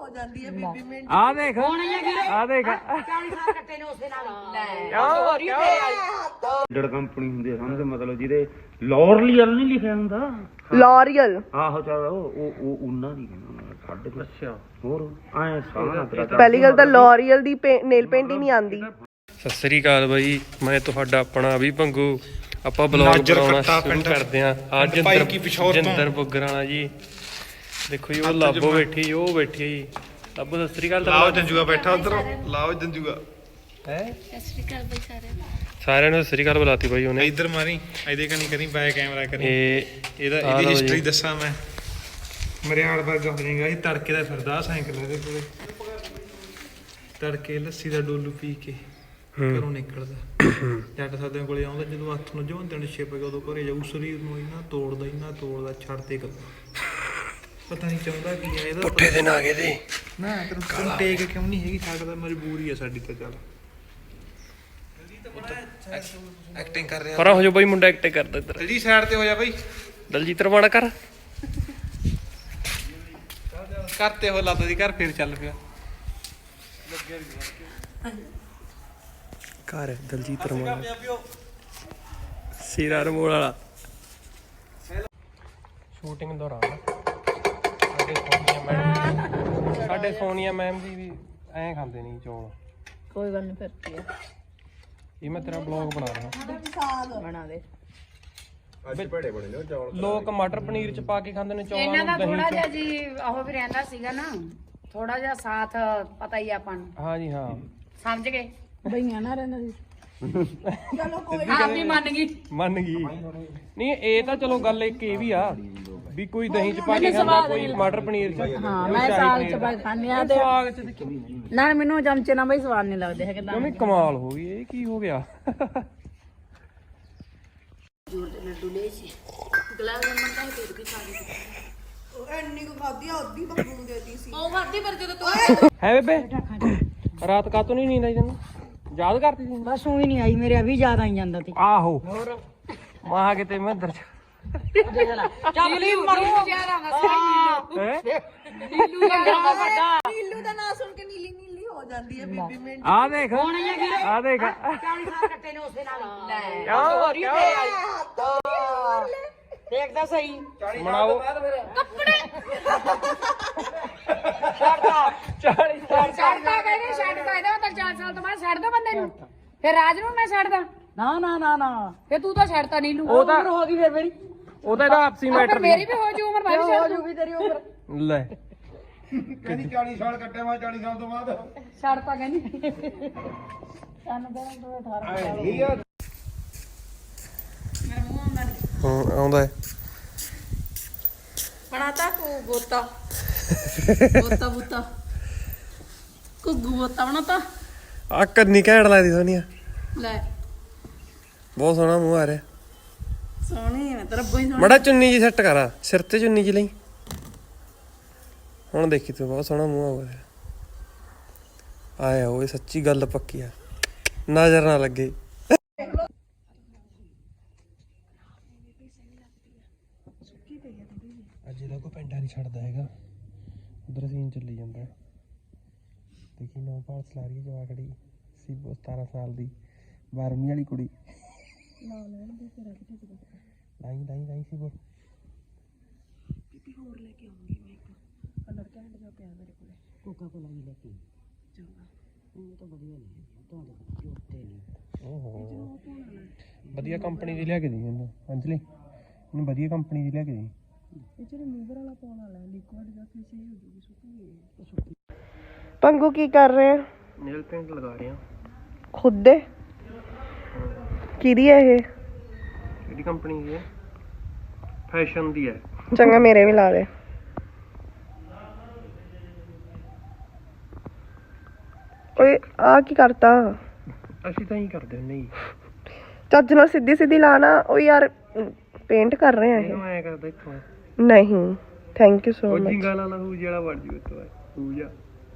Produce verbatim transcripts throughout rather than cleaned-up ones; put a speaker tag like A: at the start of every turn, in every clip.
A: ਹੋ ਜਾਂਦੀ ਹੈ ਬੀਬੀ ਮਿੰਟ
B: ਆ ਦੇਖ ਆ ਦੇਖ
C: ਚਾਲੀ ਸਾਲ ਕੱਟੇ ਨੇ ਉਸੇ ਨਾਲ
B: ਡੜ ਕੰਪਨੀ ਹੁੰਦੀ ਹੈ ਸਮਝ ਮਤਲਬ ਜਿਹਦੇ ਲੌਰੀਅਲ ਨਹੀਂ ਲਿਖਿਆ ਹੁੰਦਾ
A: ਲੌਰੀਅਲ
B: ਆਹੋ ਚਲ ਉਹ ਉਹ ਉਹਨਾਂ ਦੀ ਕਹਿੰਦਾ ਸਾਡੇ ਅੱਛਾ ਹੋਰ ਐ ਸਾਰਾ ਤੇਰਾ
A: ਪਹਿਲੀ ਗੱਲ ਤਾਂ ਲੌਰੀਅਲ ਦੀ ਨੇਲ ਪੇਂਟ ਹੀ ਨਹੀਂ ਆਉਂਦੀ।
D: ਸਤਿ ਸ੍ਰੀ ਅਕਾਲ ਬਾਈ, ਮੈਂ ਤੁਹਾਡਾ ਆਪਣਾ ਵੀ ਭੰਗੂ। ਆਪਾਂ ਬਲੌਗ ਬਣਾਉਣਾ ਸ਼ੁਰੂ ਕਰਦੇ ਆਂ। ਅੱਜ ਜਿੰਦਰ ਬੁੱਗਰ ਵਾਲਾ ਜੀ ਦੇਖੋ ਜੀ, ਉਹ ਲਾਬੋ ਬੈਠੀ, ਉਹ ਬੈਠੀ ਜੀ ਲਾਬੋ। ਸਤਿ ਸ੍ਰੀ ਅਕਾਲ।
E: ਲਾਓ ਜੰਜੂਗਾ ਬੈਠਾ ਉਧਰ, ਲਾਓ ਜੰਜੂਗਾ
D: ਹੈ। ਸਤਿ ਸ੍ਰੀ ਅਕਾਲ ਬਾਈ ਸਾਰਿਆਂ ਨੂੰ, ਸਾਰਿਆਂ ਨੂੰ ਸਤਿ ਸ੍ਰੀ ਅਕਾਲ ਬੁਲਾਤੀ ਬਾਈ ਉਹਨੇ।
E: ਇੱਧਰ ਮਾਰੀ, ਇਹਦੇ ਕਨੀ ਕਰੀ ਬੈਕ ਕੈਮਰਾ ਕਰੀ।
D: ਇਹ
E: ਇਹਦਾ ਇਹਦੀ ਹਿਸਟਰੀ ਦੱਸਾਂ ਮੈਂ। ਮਰਿਆੜ ਵਰਗਾ ਹੋ ਜਾਏਗਾ ਇਹ, ਤੜਕੇ ਦਾ ਫਿਰਦਾ ਸਾਈਕਲ ਇਹਦੇ ਕੋਲੇ, ਤੜਕੇ ਲੱਸੀ ਦਾ ਡੋਲੂ ਪੀ ਕੇ ਘਰੋਂ ਨਿਕਲਦਾ। ਜੱਟ ਸਾਦਿਆਂ ਕੋਲੇ ਆਉਂਦਾ ਜਦੋਂ ਹੱਥ ਨੂੰ ਜਵਾਂ ਦਿਨ ਛਿਪ ਗਿਆ, ਉਦੋਂ ਘਰੇ ਜਾਊ। ਸਰੀਰ ਨੂੰ ਇੰਨਾ ਤੋੜਦਾ ਇੰਨਾ ਤੋੜਦਾ, ਛੱਡ ਤੇ ਪਤਾ ਨਹੀਂ ਚਾਹੁੰਦਾ ਕੀ ਆ ਇਹਦਾ।
D: ਪੁੱਠੇ ਦਿਨ ਆ ਗਏ ਤੇ
E: ਨਾ ਤੈਨੂੰ ਟੇਕ ਕਿਉਂ ਨਹੀਂ ਹੈਗੀ ਸਕਦਾ, ਮਜਬੂਰੀ ਆ ਸਾਡੀ ਤਾਂ। ਚੱਲ ਐਕਟਿੰਗ ਕਰ ਰਿਹਾ
D: ਪਰਾਂ ਹੋ ਜਾ ਬਾਈ, ਮੁੰਡਾ ਐਕਟਿੰਗ ਕਰਦਾ ਇੱਧਰ।
E: ਦਲਜੀਤ ਸਾਈਡ ਤੇ ਹੋ ਜਾ ਬਾਈ,
D: ਦਲਜੀਤ ਰਵਾਣਾ ਕਰ
E: ਕਰਤੇ ਹੋ ਲੱਤ ਦੀ ਘਰ, ਫੇਰ ਚੱਲ ਪਿਆ
D: ਘਰ ਦਲਜੀਤ ਰਵਾਣਾ ਸੀਰਾ ਰਮੋਲ ਵਾਲਾ। ਸ਼ੂਟਿੰਗ ਦੌਰਾਨ ਸਾਡੇ ਸੋਨੀਆ ਮੈਡਮ ਸਾਡੇ ਸੋਨੀਆ ਮੈਮ ਜੀ ਵੀ ਐਂ ਖਾਂਦੇ ਨਹੀਂ ਚੌਲ।
C: ਕੋਈ ਗੱਲ ਨਹੀਂ, ਫਿਰ ਕੀ ਆ,
D: ਇਹ ਮੈਂ ਤੇਰਾ ਬਲੌਗ ਬਣਾ ਰਿਹਾ।
C: ਬਣਾ ਦੇ।
D: ਲੋਕ ਮਟਰ ਪਨੀਰ ਚ ਪਾ ਕੇ ਖਾਂਦੇ ਨੇ ਚੌਲਾਂ
C: ਇਹਨਾਂ
D: ਨੂੰ,
C: ਦਾ
D: ਦਹੀਂ
C: ਥੋੜਾ
D: ਚ।
C: ਜਿਹਾ ਜੀ ਉਹ ਵੀ ਰਹਿੰਦਾ ਸੀਗਾ ਨਾ, ਥੋੜਾ ਜਿਹਾ ਸਾਥ ਪਤਾ ਹੀ ਆਪਾਂ ਨੂੰ।
D: ਹਾਂ ਜੀ ਹਾਂ,
C: ਸਮਝ ਗਏ ਬਈਆਂ ਨਾ ਰਹਿੰਦਾ ਸੀ। ਚਲੋ ਕੋਈ ਆਪ ਵੀ ਮੰਨ ਗਈ
D: ਮੰਨ ਗਈ। ਨਹੀਂ ਇਹ ਤਾਂ ਚਲੋ ਗੱਲ ਇੱਕ ਇਹ ਵੀ ਆ ਵੀ ਕੋਈ ਦਹੀਂ ਚ ਪਾ ਕੇ ਖਾਂਦਾ, ਕੋਈ ਮਟਰ ਪਨੀਰ ਚ।
C: ਹਾਂ, ਮੈਂ ਸਾਗ ਚ ਪਾ ਖਾਂਦੀ ਆ ਤੇ
D: ਸਾਗ ਚ ਦੇਖੀ
C: ਨਾ ਮੈਨੂੰ ਚਮਚੇ ਨਾਲ ਬਈ ਸਵਾਦ ਨਹੀਂ ਲੱਗਦੇ ਹੈਗੇ।
D: ਕਿਵੇਂ ਕਮਾਲ ਹੋ ਗਈ, ਇਹ ਕੀ ਹੋ ਗਿਆ।
C: ਲੱਡੂ ਲੈ ਸੀ ਗੁਲਾਬ ਜਾਮਨ ਤਾਂ ਫੇਰ ਵੀ ਖਾ ਲਈ।
A: ਉਹ ਇੰਨੀ ਕੁ ਖਾਦੀ ਆ, ਅੱਧੀ ਬੱਬੂ ਨੂੰ ਦੇਤੀ ਸੀ।
C: ਉਹ ਖਾਦੀ ਪਰ ਜਦੋਂ ਤੂੰ
D: ਹੈ ਬੇਬੇ ਰਾਤ ਕਾਤੋਂ ਨਹੀਂ ਨੀਂਦ ਆਈ ਤੈਨੂੰ? ਯਾਦ ਕਰਤੀ ਸੀ?
C: ਬਸ ਉਹੀ ਨਹੀਂ ਆਈ, ਮੇਰੇ ਅਭੀ ਯਾਦ ਆਈ ਜਾਂਦਾ ਸੀ।
D: ਆਹੋ ਮਾਂ ਕਿਤੇ ਮੈਂ ਅੰਦਰ
C: ਚੱਪਲੀ ਮਰੂ ਜਿਆਦਾ ਹੱਸਦਾ
D: ਹੈ।
C: ਨੀਲੂ ਦਾ ਵੱਡਾ
A: ਨੀਲੂ ਦਾ ਨਾਂ ਸੁਣ ਕੇ ਨੀਲੀ ਨੀਲੀ ਹੋ ਜਾਂਦੀ ਹੈ ਬੀਬੀ ਮਿੰਟ।
D: ਆ ਦੇਖ ਆ ਦੇਖ
C: ਚਾਲੀ ਸਾਲ ਕੱਟੇ ਨੇ ਉਸੇ ਨਾਲ
D: ਕਿਉਂ ਕਿਉਂ
C: ਦੇਖਦਾ ਸਹੀ
D: ਮਨਾਓ
C: ਕੱਪੜੇ
D: ਚਾਲੀ ਸਾਲ
C: ਛੱਡਦਾ ਕਹਿੰਦੇ ਛੱਡਦਾ, ਇਹਦਾ ਤਾਂ ਚਾਰ ਸਾਲ ਤੋਂ ਬਾਅਦ ਛੱਡਦਾ ਬੰਦੇ ਨੂੰ। ਫਿਰ ਰਾਜ ਨੂੰ ਮੈਂ ਛੱਡਦਾ? ਨਾ ਨਾ ਨਾ ਨਾ, ਫਿਰ ਤੂੰ ਤਾਂ ਛੱਡਤਾ ਨੀਲੂ।
D: ਉਹ ਤਾਂ
C: ਹੋ ਗਈ ਫਿਰ ਮੇਰੀ,
D: ਉਹ ਤਾਂ ਇਹਦਾ ਆਪਸੀ ਮੈਟਰ
C: ਮੇਰੀ ਵੀ ਹੋ ਜੂ ਉਮਰ, ਮੈਂ ਵੀ ਛੱਡ ਜੂਗੀ ਤੇਰੀ ਉਮਰ।
D: ਲੈ
E: ਕਹਿੰਦੀ ਚਾਲੀ ਸਾਲ ਕੱਟੇ ਮੈਂ, ਚਾਲੀ ਸਾਲ ਤੋਂ ਬਾਅਦ
C: ਛੱਡਤਾ ਕਹਿੰਦੀ। ਸਾਨੂੰ ਕਹਿੰਦਾ ਤੂੰ ਅਠਾਰਾਂ ਸਾਲ
D: ਹਾਂ ਆਉਂਦਾ
C: ਬਣਾਤਾ ਕੋ ਗੋਤਾ ਗੋਤਾ ਬੂਤਾ ਕੁੱਗੂ ਗੋਤਾ ਬਣਾਤਾ।
D: ਆ ਕੰਨੀ ਘੈਂਟ ਲੱਗਦੀ ਸੋਨੀਆ,
C: ਲੈ
D: ਬਹੁਤ ਸੋਹਣਾ ਮੂੰਹ ਆ ਰਿਹਾ।
C: ਸੋਹਣੀ ਹੈ ਤੇਰਾ ਬਈ।
D: ਮੜਾ ਚੁੰਨੀ ਜੀ ਸੈੱਟ ਕਰਾ, ਸਿਰ ਤੇ ਚੁੰਨੀ ਜੀ ਲਈ। ਹੁਣ ਦੇਖੀ ਤੂੰ, ਬਹੁਤ ਸੋਹਣਾ ਮੂੰਹ ਆਉਂਦਾ ਆਇਆ। ਉਹ ਸੱਚੀ ਗੱਲ ਪੱਕੀ ਆ, ਨਜ਼ਰ ਨਾ ਲੱਗੇ। ਅੱਜ ਇਹਦਾ ਕੋਈ ਪਿੰਡਾ ਨਹੀਂ ਛੱਡਦਾ ਹੈਗਾ, ਉਧਰ ਸੀਨ ਚੱਲੀ ਜਾਂਦਾ। ਦੇਖੀ ਨੌ ਭਾਲ ਸਲਾ ਰਹੀ ਜਵਾਕੜੀ ਸੀ, ਸਤਾਰਾਂ ਸਾਲ ਦੀ ਬਾਰਵੀਂ ਵਾਲੀ ਕੁੜੀ। ਲਾਈ ਲਾਈ ਲਾਈ ਸੀ ਬੋਲ। ਬੀਬੀ ਹੋਰ ਲੈ ਕੇ ਆਉਂਗੀ ਮੈਂ ਇੱਕ ਕਲਰ ਕੈਂਡ ਜਿਹਾ ਪਿਆ ਮੇਰੇ ਕੋਲੇ, ਕੋਕਾ ਕੋਲਾ ਵੀ ਲੈ ਕੇ ਚੰਗਾ। ਉਹ ਤਾਂ ਵਧੀਆ ਨਹੀਂ ਤੁਹਾਡੇ ਕੋਲ ਉੱਤੇ ਨਹੀਂ। ਓਹੋ ਵਧੀਆ ਕੰਪਨੀ ਦੀ ਲਿਆ ਕੇ ਦੀ ਮੈਨੂੰ ਅੰਜਲੀ, ਮੈਨੂੰ ਵਧੀਆ ਕੰਪਨੀ ਦੀ ਲਿਆ ਕੇ ਦੀ। ਇਹ ਜਿਹੜੇ ਮੂਵਰ ਵਾਲਾ ਪਾਉਣ ਵਾਲਾ ਲਿਕੁਇਡ ਜਾਂ ਫਿਰ ਸਹੀ ਹੋ ਜੂਗੀ, ਸੁੱਕੀ।
A: ਪੰਗੂ ਕੀ ਕਰ ਰਹੇ ਆ?
D: ਨੇਲ ਪੇਂਟ ਲਗਾ ਰਹੇ ਆ
A: ਖੁਦ ਦੇ। ਕਿਹਦੀ ਹੈ ਇਹ?
D: ਕਿਹੜੀ ਕੰਪਨੀ ਦੀ ਹੈ? ਫੈਸ਼ਨ ਦੀ ਹੈ।
A: ਚੰਗਾ ਮੇਰੇ ਵੀ ਲਾ ਦੇ। ਓਏ ਆ ਕੀ ਕਰਤਾ?
D: ਅਸੀਂ ਤਾਂ ਹੀ ਕਰਦੇ ਹੁੰਦੇ ਜੀ।
A: ਚੱਜ ਨਾਲ ਸਿੱਧੀ ਸਿੱਧੀ ਲਾਣਾ। ਓ ਯਾਰ ਪੇਂਟ ਕਰ ਰਹੇ ਆ ਇਹ।
D: ਇਹਨੂੰ ਐ ਕਰਦਾ ਇੱਥੋਂ
A: ਨਹੀਂ ਥੈਂਕ ਯੂ ਸੋ
D: ਉਹ
A: ਮਚ।
D: ਜਿੰਗਾ ਲਾ ਲਾ ਹੂ ਜਿਹੜਾ ਵੜ ਜੂ ਇੱਥੋਂ ਹੂ ਜਾ।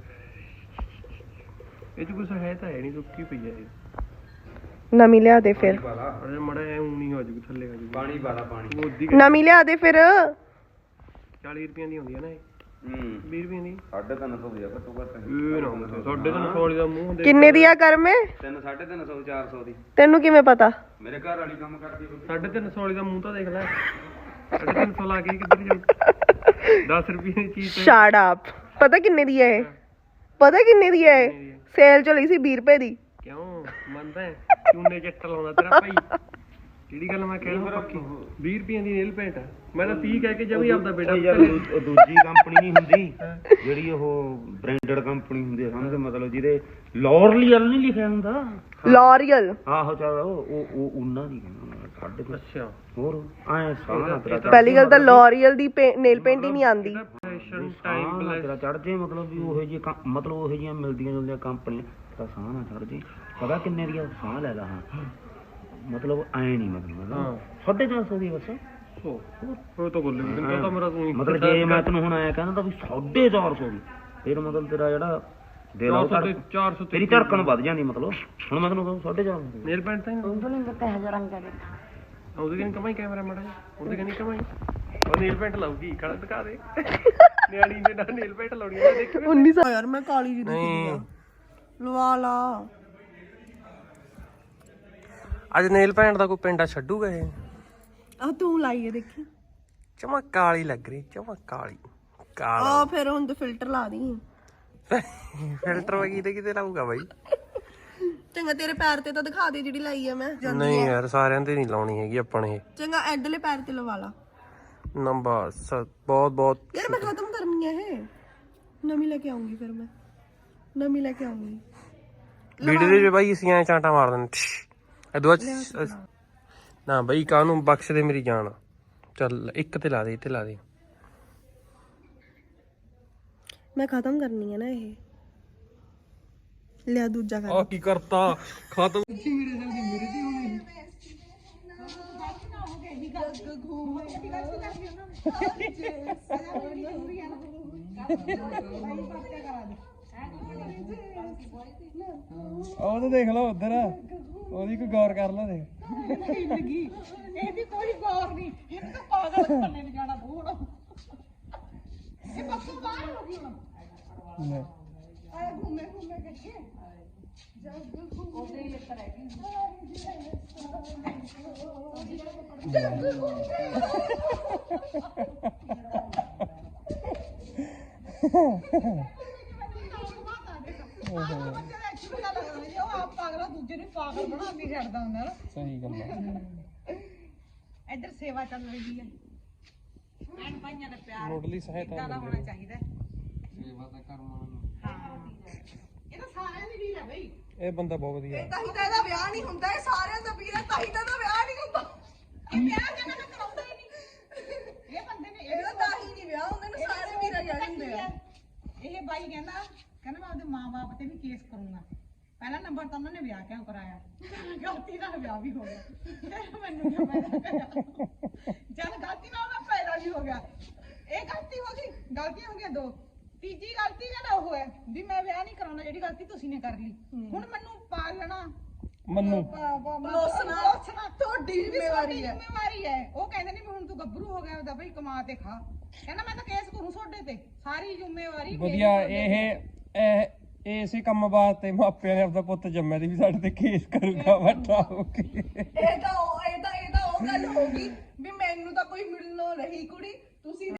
D: ਇਹ ਚ ਕੁਛ ਹੈ ਤਾਂ ਹੈ ਨਹੀਂ, ਸੁੱਕੀ ਪਈ ਹੈ ਇਹ।
A: ਨਵੀਂ ਲਿਆ ਦੇ ਫਿਰ।
D: ਅਰੇ ਮੜਾ ਐ ਊਣੀ ਹੋ ਜੂ, ਥੱਲੇ ਆ ਜੂ। ਪਾਣੀ ਵਾਲਾ ਪਾਣੀ ਉਹਦੀ
A: ਨਵੀਂ ਲਿਆ ਦੇ ਫਿਰ।
D: ਚਾਲੀ ਰੁਪਈਆਂ ਦੀ ਹੁੰਦੀ ਹੈ ਨਾ ਇਹ।
B: ਹੂੰ
D: ਵੀਹ ਰੁਪਏ ਦੀ
B: ਸਾਢੇ ਤਿੰਨ ਸੌ ਦੀ ਆ ਘੱਟੋ ਘੱਟ
D: ਇਹ ਨਾ ਹੁੰਦੇ ਸਾਡੇ ਤਾਂ ਸੌ ਦਾ ਮੂੰਹ ਦੇ
A: ਕਿੰਨੇ ਦੀ ਆ ਕਰਮੇ?
B: ਤਿੰਨ ਸਾਢੇ ਤਿੰਨ ਸੌ ਚਾਰ ਸੌ ਦੀ।
A: ਤੈਨੂੰ ਕਿਵੇਂ ਪਤਾ?
B: ਮੇਰੇ ਘਰ ਵਾਲੀ ਕੰਮ ਕਰਦੀ ਕੋਈ।
D: ਸਾਢੇ ਤਿੰਨ ਸੌ ਦਾ ਮੂੰਹ ਤਾਂ ਦੇਖ ਲੈ ਸਾਢੇ ਤਿੰਨ ਸੌ ਲਾ ਕੇ ਕਿੱਧਰ ਜਾਊ ਦਸ ਰੁਪਏ ਦੀ ਚੀਜ਼ ਤੇ
A: ਸ਼ਟ ਅਪ। ਪਤਾ ਕਿੰਨੇ ਦੀ ਹੈ ਇਹ? ਪਤਾ ਕਿੰਨੇ ਦੀ ਹੈ ਇਹ? ਸੇਲ ਚ ਲਈ ਸੀ ਵੀਹ ਰੁਪਏ ਦੀ।
D: ਕਿਉਂ ਮੰਨਦਾ ਹੈ? ਚੂਨੇ ਚੱਟ ਲਾਉਂਦਾ ਤੇਰਾ ਭਾਈ ਕਿਹੜੀ ਗੱਲ ਮੈਂ ਕਹਿਣਾ ਪੱਕੀ ਵੀਹ ਰੁਪਏ ਦੀ ਨੇਲ ਪੈਂਟ ਮੈਂ ਤਾਂ ਤੀਹ ਕਹਿ ਕੇ ਜਮੀ ਆਪਦਾ ਬੇਟਾ
B: ਯਾਰ ਉਹ ਦੂਜੀ ਕੰਪਨੀ ਨਹੀਂ ਹੁੰਦੀ ਜਿਹੜੀ ਉਹ ਬ੍ਰਾਂਡਡ ਕੰਪਨੀ ਹੁੰਦੀ ਹੈ ਸਮਝ ਮਤਲਬ ਜਿਹਦੇ ਲੌਰੀਅਲ ਨਹੀਂ ਲਿਖਿਆ ਹੁੰਦਾ।
A: ਲੌਰੀਅਲ।
B: ਆਹੋ ਚੱਲ ਉਹ ਉਹ ਉਹ ਉਹਨਾਂ ਦੀ ਕਹਿੰਦਾ ਸਾਢੇ ਤਿੰਨ।
D: ਅੱਛਾ
B: ਹੋਰ ਐ ਸਾਰਾ ਤੇਰਾ
A: ਪਹਿਲੀ ਗੱਲ ਤਾਂ ਲੌਰੀਅਲ ਦੀ ਨੇਲ ਪੇਂਟ ਹੀ ਨਹੀਂ ਆਂਦੀ।
D: ਫੈਸ਼ਨ ਟਾਈਮ
B: ਸਾਹ ਤੇਰਾ ਚੜ ਜੇ ਮਤਲਬ ਵੀ ਉਹੋ ਜਿਹੀ ਮਤਲਬ ਉਹੋ ਜਿਹੀਆਂ ਮਿਲਦੀਆਂ ਜੁਲਦੀਆਂ ਕੰਪਨੀਆਂ ਤਾਂ ਸਾਹ ਨਾ ਚੜ ਜੇ। ਪਤਾ ਕਿੰਨੇ ਦੀ ਆ? ਸਾਹ ਲੈ ਲਾ ਹਾਂ ਮਤਲਬ ਐ ਨਹੀਂ ਮਤਲਬ ਸਾਢੇ ਚਾਰ ਸੌ ਦੀ ਬਸ।
D: ਉਹ ਤਾਂ ਬੋਲੇ ਮੈਨੂੰ ਤਾਂ ਮੇਰਾ ਤੂੰ
B: ਮਤਲਬ ਜੇ ਮੈਂ ਤੈਨੂੰ ਹੁਣ ਆਇਆ ਕਹਿੰਦਾ ਤਾਂ ਵੀ ਸਾਢੇ ਚਾਰ ਸੌ ਦੀ ਫਿਰ ਮਤਲਬ ਤੇਰਾ ਜਿਹੜਾ ਦਿਲ ਆ ਉਹ
D: ਚਾਰ ਸੌ
B: ਤੇਰੀ ਧੜਕਣ ਵੱਧ ਜਾਂਦੀ ਮਤਲਬ ਹੁਣ ਮੈਂ ਤੈਨੂੰ ਕਹਾਂ ਸਾਢੇ ਚਾਰ ਸੌ
D: ਨੇਲ ਪੈਂਟ ਤਾਂ ਉਹਦੇ ਕਹਿੰਦੀ ਕਮਾਈ ਕੈਮਰਾ ਮਾੜਾ ਜਿਹਾ ਉਹਦੇ ਕਹਿੰਦੀ ਕਮਾਈ ਉਹ ਨੇਲ ਪੈਂਟ ਲਾਉਗੀ ਖੜਾ ਦਿਖਾ ਦੇ ਨਿਆਣੀ ਦੇ ਨਾਲ ਨੇਲ ਪੈਂਟ ਲਾਉਣੀ ਆ ਦੇਖ
A: ਉੱਨੀ ਸੌ ਯਾਰ ਮੈਂ ਕਾਲੀ ਜੀ
D: ਨਹੀਂ
A: ਲਵਾ ਲਾ।
D: ਅੱਜ ਨੇਲ ਪੈਂਟ ਦਾ ਕੋਈ ਪਿੰਡਾ ਛੱਡੂਗਾ ਇਹ
A: ਆ ਤੂੰ ਲਾਈਏ ਦੇਖੀ।
D: ਚਮਕ ਕਾਲੀ ਲੱਗ ਰਹੀ ਚਮਕ ਕਾਲੀ ਕਾਲਾ
A: ਆ ਫਿਰ ਹੁਣ ਤੇ ਫਿਲਟਰ ਲਾ ਦੀ।
D: ਫਿਲਟਰ ਵਗੀ ਤੇ ਕਿਤੇ ਲਾਊਗਾ ਬਾਈ
A: ਚੰਗਾ ਤੇਰੇ ਪੈਰ ਤੇ ਤਾਂ ਦਿਖਾ ਦੇ ਜਿਹੜੀ ਲਾਈ ਆ ਮੈਂ।
D: ਨਹੀਂ ਯਾਰ ਸਾਰਿਆਂ ਤੇ ਨਹੀਂ ਲਾਉਣੀ ਹੈਗੀ ਆਪਾਂ ਨੇ
A: ਚੰਗਾ ਐਡਲੇ ਪੈਰ ਤੇ ਲਵਾ ਲਾ।
D: ਨੰਬਰ ਬਹੁਤ ਬਹੁਤ
A: ਯਾਰ ਮੈਂ ਖਤਮ ਕਰਨੀ ਆ ਇਹ। ਨਵੀਂ ਲੈ ਕੇ ਆਉਂਗੀ ਫਿਰ ਮੈਂ ਨਵੀਂ ਲੈ ਕੇ ਆਉਂਗੀ।
D: ਵੀਡੀਓ ਦੇ ਬਾਈ ਅਸੀਂ ਐ ਚਾਂਟਾ ਮਾਰ ਦਿੰਦੇ ਅਦਵਾ ਨਾ ਬਾਈ ਕਾਹਨੂੰ ਬਖਸ਼ ਦੇ ਮੇਰੀ ਜਾਨ ਚੱਲ ਇੱਕ ਤੇ ਲਾ ਦੇ ਇੱਥੇ ਲਾ ਦੇ
A: ਮੈਂ ਖਤਮ ਕਰਨੀ ਆ ਨਾ ਇਹ। ਲਿਆ ਦੂਜਾ ਕਰ।
D: ਆ ਕੀ ਕਰਤਾ ਖਤਮ ਉਹ ਤਾਂ ਦੇਖ ਲਓ ਉਧਰ ਉਹਦੀ ਕੋਈ ਗੌਰ ਕਰ ਲਓ ਦੇਖ
C: ਇਹਦੀ ਕੋਈ ਗੌਰ ਨਹੀਂ ਇਹਨੂੰ ਤਾਂ ਪਾਗਲ ਕਰਨੇ ਨਹੀਂ ਜਾਣਾ ਬੂੜ ਇਹ ਬੱਸੋਂ ਬਾਹਰ ਹੋ ਗਈ ਹੁਣ
D: ਲੈ
C: ਆਏ ਘੁੰਮੇ ਘੁੰਮੇ ਕੇ ਉਹਦੇ ਹੀ ਲੱਤ ਰਹਿ ਗਈ ਦੂਜੇ ਨੂੰ ਪਾਗਲ ਬਣਾ ਕੇ ਛੱਡਦਾ ਹੁੰਦਾ ਨਾ।
D: ਸਹੀ ਗੱਲ ਹੈ
C: ਇੱਧਰ ਸੇਵਾ ਚੱਲ ਰਹੀ ਹੈ ਭੈਣ ਭਾਈਆਂ ਦਾ ਪਿਆਰ
D: ਮੁੱਢਲੀ ਸਹਾਇਤਾ
C: ਜ਼ਿਆਦਾ ਹੋਣਾ ਚਾਹੀਦਾ ਸੇਵਾ ਤਾਂ ਕਰਨਾ ਹਾਂ ਇਹ ਤਾਂ ਸਾਰਿਆਂ ਦੀ ਵੀਰ ਹੈ ਬਈ।
D: ਇਹ ਬੰਦਾ ਬਹੁਤ ਵਧੀਆ
A: ਤਾਂ ਹੀ ਤਾਂ ਇਹਦਾ ਵਿਆਹ ਨਹੀਂ ਹੁੰਦਾ। ਇਹ ਸਾਰਿਆਂ ਦਾ ਵੀਰ ਹੈ ਤਾਂ ਹੀ ਤਾਂ ਇਹਦਾ ਵਿਆਹ ਨਹੀਂ ਹੁੰਦਾ।
C: ਇਹ ਪਿਆਰ ਕਹਿੰਦਾ ਮੈਂ ਕਰਾਉਂਦਾ ਹੀ ਨਹੀਂ ਇਹ ਬੰਦੇ ਨੇ
A: ਇਹਦਾ ਤਾਂ ਹੀ ਨਹੀਂ ਵਿਆਹ ਹੁੰਦਾ ਨਾ। ਸਾਰੇ ਵੀਰਾਂ ਜਾਣ ਹੁੰਦੇ ਆ।
C: ਇਹ ਬਾਈ ਕਹਿੰਦਾ ਕਹਿੰਦਾ ਮੈਂ ਆਪਦੇ ਮਾਂ-ਬਾਪ ਤੇ ਵੀ ਕੇਸ ਕਰੂੰਗਾ। ਪਹਿਲਾ ਨੰਬਰ ਤਾਂ ਉਹਨਾਂ ਨੇ ਵਿਆਹ ਕਿਉਂ ਕਰਾਇਆ? ਗਲਤੀ ਨਾਲ ਵਿਆਹ ਵੀ ਹੋ ਗਿਆ ਤੇ ਮੈਨੂੰ ਕਿਉਂ ਪੈਦਾ ਕਰਿਆ? ਜਦ ਗਲਤੀ ਨਾਲ ਉਹਦਾ ਪੈਦਾ ਵੀ ਹੋ ਗਿਆ। ਇਹ ਗਲਤੀ ਹੋ ਗਈ ਗਲਤੀਆਂ ਹੋ ਗਈਆਂ ਦੋ। ਤੀਜੀ ਗਲਤੀ ਜਿਹੜਾ ਉਹ ਹੈ ਵੀ ਮੈਂ ਵਿਆਹ ਨਹੀਂ ਕਰਾਉਣਾ ਜਿਹੜੀ ਗਲਤੀ ਤੁਸੀਂ ਨੇ ਕਰ ਲਈ। ਹੁਣ ਮੈਨੂੰ ਪਾ ਲੈਣਾ
D: ਮੰਨੂ
A: ਲੋਸਣਾ ਲੋਸਣਾ ਤੁਹਾਡੀ ਜ਼ਿੰਮੇਵਾਰੀ ਹੈ।
C: ਜ਼ਿੰਮੇਵਾਰੀ ਹੈ। ਉਹ ਕਹਿੰਦੇ ਨੇ ਵੀ ਹੁਣ ਤੂੰ ਗੱਭਰੂ ਹੋ ਗਿਆ ਉਹਦਾ ਬਈ ਕਮਾ ਤੇ ਖਾ। ਕਹਿੰਦਾ ਮੈਂ ਤਾਂ ਕੇਸ ਕਰੂੰ ਤੁਹਾਡੇ ਤੇ ਸਾਰੀ ਜ਼ਿੰਮੇਵਾਰੀ
D: ਵਧੀਆ ਇਹ ਇਹ ਇਸੇ ਕੰਮ ਵਾਸਤੇ ਮਾਪਿਆਂ ਨੇ ਆਪਦਾ ਪੁੱਤ ਜੰਮਿਆ ਦੀ ਵੀ ਸਾਡੇ ਤੇ ਕੇਸ ਕਰੂਗਾ ਵੱਡਾ ਹੋ ਕੇ
A: ਇਹ ਤਾਂ ਉਹ ਇਹ ਤਾਂ ਇਹ ਤਾਂ ਉਹ ਗੱਲ ਹੋ ਗਈ ਵੀ ਮੈਨੂੰ ਤਾਂ ਕੋਈ ਮਿਲਣੋਂ ਰਹੀ ਕੁੜੀ ਤੁਸੀਂ